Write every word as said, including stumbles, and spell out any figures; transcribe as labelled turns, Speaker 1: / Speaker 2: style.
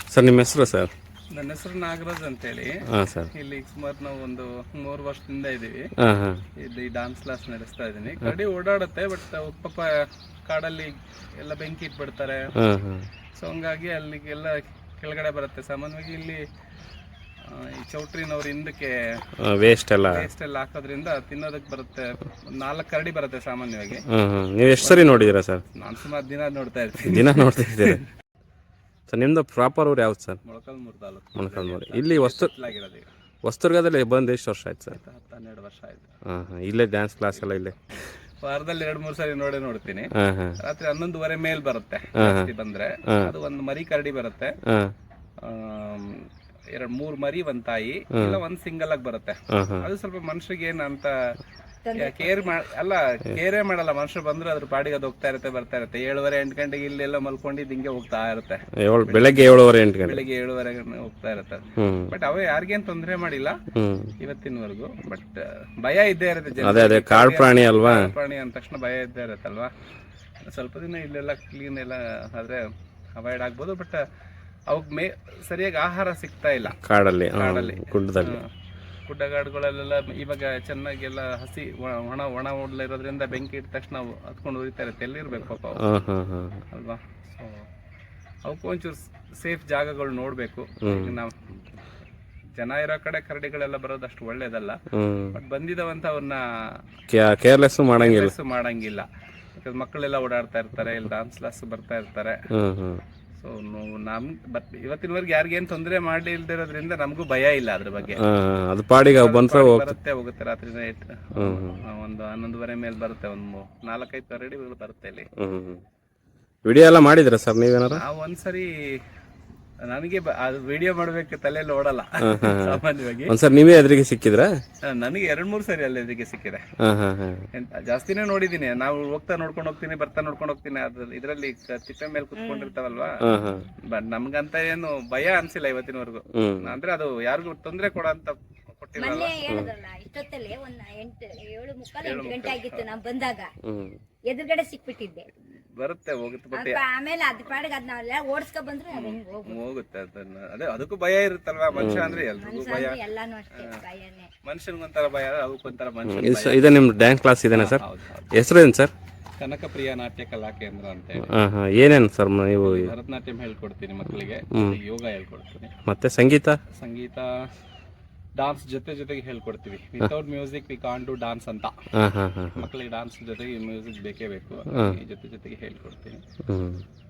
Speaker 1: Sir ನಿಮ್ಮ ಹೆಸರು sir?
Speaker 2: ನನ್ನ ಹೆಸರು ನಾಗರಾಜ್ ಅಂತೇಳಿ.
Speaker 1: ಹಾಂ ಸರ್.
Speaker 2: ಇಲ್ಲಿ ಸುಮಾರು ನಾವು ಒಂದು ಮೂರು ವರ್ಷದಿಂದ ಇದ್ದೀವಿ.
Speaker 1: ಹಾಂ ಹಾಂ.
Speaker 2: ಇಲ್ಲಿ ಡಾನ್ಸ್ ಕ್ಲಾಸ್ ನಡೆಸ್ತಾ ಇದ್ದೀನಿ. ಕರಡಿ ಓಡಾಡುತ್ತೆ, ಬಟ್ ಪಾಪ ಕಾಡಲ್ಲಿ ಎಲ್ಲ ಬೆಂಕಿ ಇಟ್ಬಿಡ್ತಾರೆ.
Speaker 1: ಹಾಂ ಹಾಂ. ಸೊ
Speaker 2: ಹಂಗಾಗಿ ಅಲ್ಲಿಗೆಲ್ಲ ಕೆಳಗಡೆ ಬರುತ್ತೆ. ಸಾಮಾನ್ಯವಾಗಿ ಇಲ್ಲಿ ಈ ಚೌಟ್ರಿನವ್ರ ಹಿಂದಕ್ಕೆ
Speaker 1: ವೇಸ್ಟ್ ಎಲ್ಲ
Speaker 2: ವೇಸ್ಟ್ ಎಲ್ಲ ಹಾಕೋದ್ರಿಂದ ತಿನ್ನೋದಕ್ಕೆ ಬರುತ್ತೆ. ನಾಲ್ಕು ಕರಡಿ ಬರುತ್ತೆ ಸಾಮಾನ್ಯವಾಗಿ.
Speaker 1: ಹಾಂ ಹಾಂ. ನೀವು ಎಷ್ಟು ಸರಿ ನೋಡಿದ್ದೀರಾ ಸರ್?
Speaker 2: ನಾನು ಸುಮಾರು ದಿನ ನೋಡ್ತಾ ಇರ್ತೀನಿ.
Speaker 1: ದಿನ ನೋಡ್ತಾ ಇದ್ದೀರಿ ಸರ್? ನಿಮ್ಮದು ಪ್ರಾಪರ್ ಊರು ಯಾವ್ದು ಸರ್?
Speaker 2: ಮೊಳಕಾಲ್ಮೂರು ತಾಲೂಕು.
Speaker 1: ಮೊಳಕಾಲ್ಮೂರು. ಇಲ್ಲಿ ವಸ್ತು
Speaker 2: ಆಗಿರೋದು
Speaker 1: ವಸ್ತುರ್ಗದಲ್ಲಿ ಬಂದು ಎಷ್ಟು ವರ್ಷ ಆಯ್ತು ಸರ್?
Speaker 2: ಹತ್ತು ಹನ್ನೆರಡು ವರ್ಷ ಆಯ್ತು.
Speaker 1: ಹಾಂ ಹಾಂ. ಇಲ್ಲೇ ಡ್ಯಾನ್ಸ್ ಕ್ಲಾಸ್ ಎಲ್ಲ ಇಲ್ಲೇ?
Speaker 2: ವಾರದಲ್ಲಿ ಎರಡು ಮೂರು ಸರಿ ನೋಡೇ ನೋಡ್ತೀನಿ.
Speaker 1: ಹಾಂ ಹಾಂ.
Speaker 2: ರಾತ್ರಿ ಹನ್ನೊಂದುವರೆ ಮೇಲ್ ಬರುತ್ತೆ ಜಾಸ್ತಿ ಬಂದ್ರೆ. ಅದು ಒಂದು ಮರಿ ಕರಡಿ ಬರುತ್ತೆ.
Speaker 1: ಹಾಂ.
Speaker 2: ಎರಡ್ ಮೂರ್ ಮರಿ ಒಂದ್ ತಾಯಿ, ಇಲ್ಲ ಒಂದ್ ಸಿಂಗಲ್ ಆಗಿ ಬರುತ್ತೆ. ಅದು ಸ್ವಲ್ಪ ಮನುಷ್ಯರಿಗೆ ಏನ್ ಅಂತ ಕೇರ್ ಅಲ್ಲ ಕೇರೇ ಮಾಡಲ್ಲ. ಮನುಷ್ಯರು ಬಂದ್ರೆ ಅದ್ರ ಪಾಡಿಗೆ ಅದು ಹೋಗ್ತಾ ಇರುತ್ತೆ, ಬರ್ತಾ ಇರುತ್ತೆ. ಏಳುವರೆ ಎಂಟು ಗಂಟೆಗೆ ಇಲ್ಲೆಲ್ಲ ಮಲ್ಕೊಂಡಿದ್ದು ಹಿಂಗೆ ಹೋಗ್ತಾ ಇರುತ್ತೆ.
Speaker 1: ಬೆಳಗ್ಗೆ ಏಳುವರೆ ಎಂಟು ಗಂಟೆ
Speaker 2: ಬೆಳಿಗ್ಗೆ ಏಳುವರೆ ಹೋಗ್ತಾ ಇರುತ್ತೆ. ಬಟ್ ಅವೇ ಯಾರಿಗೇನ್ ತೊಂದ್ರೆ ಮಾಡಿಲ್ಲ ಇವತ್ತಿನವರೆಗೂ. ಬಟ್ ಭಯ ಇದ್ದೇ ಇರುತ್ತೆ.
Speaker 1: ಅದೇ ಅದೇ ಕಾಡು ಪ್ರಾಣಿ ಅಲ್ವಾ?
Speaker 2: ಪ್ರಾಣಿ ಅಂದ ತಕ್ಷಣ ಭಯ ಇದ್ದೇ ಇರುತ್ತಲ್ವಾ. ಸ್ವಲ್ಪ ದಿನ ಇಲ್ಲೆಲ್ಲ ಕ್ಲೀನ್ ಎಲ್ಲ ಆದ್ರೆ ಅವಾಯ್ಡ್ ಆಗ್ಬೋದು. ಬಟ್ ಅವಕ್ ಮೇ ಸರಿಯಾಗಿ ಆಹಾರ ಸಿಗ್ತಾ ಇಲ್ಲ ಕಾಡಲ್ಲಿ. ಕಾಡಲ್ಲಿ ಗುಡ್ಡದಲ್ಲಿ ಗುಡ್ಡಗಾಡುಗಳಲ್ಲೆಲ್ಲ ಇವಾಗ ಚೆನ್ನಾಗಿ ಎಲ್ಲ ಹಸಿ ಒಣ ಒಣ ಓಡ್ಲ ಇರೋದ್ರಿಂದ ಬೆಂಕಿ ಇಟ್ಟ ತಕ್ಷಣ ನಾವು ಹತ್ಕೊಂಡು ಉರಿತಾ ಇರುತ್ತೆ. ಎಲ್ಲಿರ್ಬೇಕು ಪಾಪ ಅಲ್ವಾ? ಸೊ ಅವಕ್ಕೂ ಒಂಚೂರು ಸೇಫ್ ಜಾಗಗಳು ನೋಡ್ಬೇಕು. ನಾವು ಜನ ಇರೋ ಕಡೆ ಕರಡಿಗಳೆಲ್ಲ ಬರೋದಷ್ಟು ಒಳ್ಳೇದಲ್ಲ. ಬಟ್ ಬಂದಿದವಂತ ಅವ್ರನ್ನ
Speaker 1: ಕೇರ್ಲೆಸ್ ಮಾಡಂಗಿಲ್ಲ
Speaker 2: ಮಾಡಂಗಿಲ್ಲ ಯಾಕಂದ್ರೆ ಮಕ್ಕಳೆಲ್ಲ ಓಡಾಡ್ತಾ ಇರ್ತಾರೆ, ಇಲ್ಲಿ ಡಾನ್ಸ್ ಕ್ಲಾಸ್ ಬರ್ತಾ ಇರ್ತಾರೆ. ಸೊ ನಮ್ ಬಟ್ ಇವತ್ತಿನವರೆಗೆ ಯಾರಿಗೇನು ತೊಂದರೆ ಮಾಡಿ ಇಲ್ದಿರೋದ್ರಿಂದ ನಮಗೂ ಭಯ ಇಲ್ಲ ಅದ್ರ ಬಗ್ಗೆ.
Speaker 1: ಅದು ಪಾಡಿಗೆ
Speaker 2: ಬರುತ್ತೆ ಹೋಗುತ್ತೆ. ರಾತ್ರಿ ನೈಟ್ ಒಂದು ಹನ್ನೊಂದುವರೆ ಮೇಲೆ ಬರುತ್ತೆ. ಒಂದು ನಾಲ್ಕೈದು ಕರಡಿಗಳು ಬರುತ್ತೆ ಇಲ್ಲಿ.
Speaker 1: ವಿಡಿಯೋ ಎಲ್ಲ ಮಾಡಿದ್ರ ಸರ್ ನೀವೇನಾರ?
Speaker 2: ನಾವು ಒಂದ್ಸರಿ ನನಗೆ ಅದು ವಿಡಿಯೋ ಮಾಡ್ಬೇಕು ತಲೆಯಲ್ಲಿ ಓಡಲ್ಲ ಸಾಮಾನ್ಯವಾಗಿ.
Speaker 1: ಒಂದ್ಸರಿ ನೀವೇ ಎದುರಿಗೆ ಸಿಕ್ಕಿದ್ರ?
Speaker 2: ನನಗೆ ಎರಡ್ ಮೂರ್ ಸರಿ ಅಲ್ಲಿ ಎದುರಿಗೆ ಸಿಕ್ಕಿದೆ. ಜಾಸ್ತಿನೇ ನೋಡಿದೀನಿ. ನಾವು ಹೋಗ್ತಾ ನೋಡ್ಕೊಂಡು ಹೋಗ್ತೀನಿ, ಬರ್ತಾ ನೋಡ್ಕೊಂಡು ಹೋಗ್ತೀನಿ. ಅದ್ರ ಇದ್ರಲ್ಲಿ ತಿಪ್ಪೆ ಮೇಲೆ ಕುತ್ಕೊಂಡಿರ್ತಾವಲ್ವಾ. ಬಟ್ ನಮ್ಗಂತ ಏನು ಭಯ ಅನ್ಸಿಲ್ಲ ಇವತ್ತಿನವರೆಗೂ. ಅಂದ್ರೆ ಅದು ಯಾರಿಗೂ ತೊಂದ್ರೆ ಕೊಡ ಅಂತ ಕೊಟ್ಟಿರಲ್ಲ.
Speaker 3: ಇಷ್ಟೊತ್ತಲ್ಲಿ ಒಂದ್ ಎಂಟು ಏಳು ಮುಕ್ಕಾಲು ಎಂಟು ಗಂಟೆ ಆಗಿತ್ತು ನಾವು ಬಂದಾಗ. ಎದುರುಗಡೆ ಸಿಕ್ಬಿಟ್ಟಿದ್ದೆ.
Speaker 2: ಬರುತ್ತೆ ಹೋಗುತ್ತೆ. ಬಟ್
Speaker 3: ಆಮೇಲೆ ಅದ್ ಪಾಡಿಗೆ ಅದ್ ನಾವೆಲ್ಲ ಓಡಿಸ್ಕೊ ಬಂದ್ರೆ
Speaker 2: ಹೋಗುತ್ತೆ. ಅದನ್ನ ಅದೇ ಅದಕ್ಕೂ ಭಯ ಇರುತ್ತಲ್ವಾ. ಮನುಷ್ಯ ಅಂದ್ರೆ ಎಲ್ರಿಗೂ ಭಯ.
Speaker 3: ಎಲ್ಲಾನು ಅಷ್ಟೇ ಭಯನೇ.
Speaker 2: ಮನುಷ್ಯನ್ಗೊಂಥರ ಭಯ, ಅದಕ್ಕೊಂಥರ ಮನುಷ್ಯ.
Speaker 1: ಇದೆ ನಿಮ್ ಡ್ಯಾನ್ಸ್ ಕ್ಲಾಸ್ ಇದೆನಾ ಸರ್? ಹೆಸರು ಏನು ಸರ್?
Speaker 2: ಕನಕಪ್ರಿಯ ನಾಟ್ಯ ಕಲಾ ಕೇಂದ್ರ ಅಂತ ಹೇಳಿ.
Speaker 1: ಏನೇನು ಸರ್ ನೀವು?
Speaker 2: ಭರತನಾಟ್ಯಂ ಹೇಳ್ಕೊಡ್ತೀನಿ ಮಕ್ಕಳಿಗೆ, ಯೋಗ ಹೇಳ್ಕೊಡ್ತೀನಿ.
Speaker 1: ಮತ್ತೆ ಸಂಗೀತ?
Speaker 2: ಸಂಗೀತ ಡಾನ್ಸ್ ಜೊತೆ ಜೊತೆಗೆ ಹೇಳ್ಕೊಡ್ತೀವಿ. Without music we can't do dance ಅಂತ. ಮಕ್ಕಳಿಗೆ ಡಾನ್ಸ್ ಜೊತೆಗೆ ಮ್ಯೂಸಿಕ್ ಬೇಕೇ ಬೇಕು. ಜೊತೆ ಜೊತೆಗೆ ಹೇಳ್ಕೊಡ್ತೀನಿ.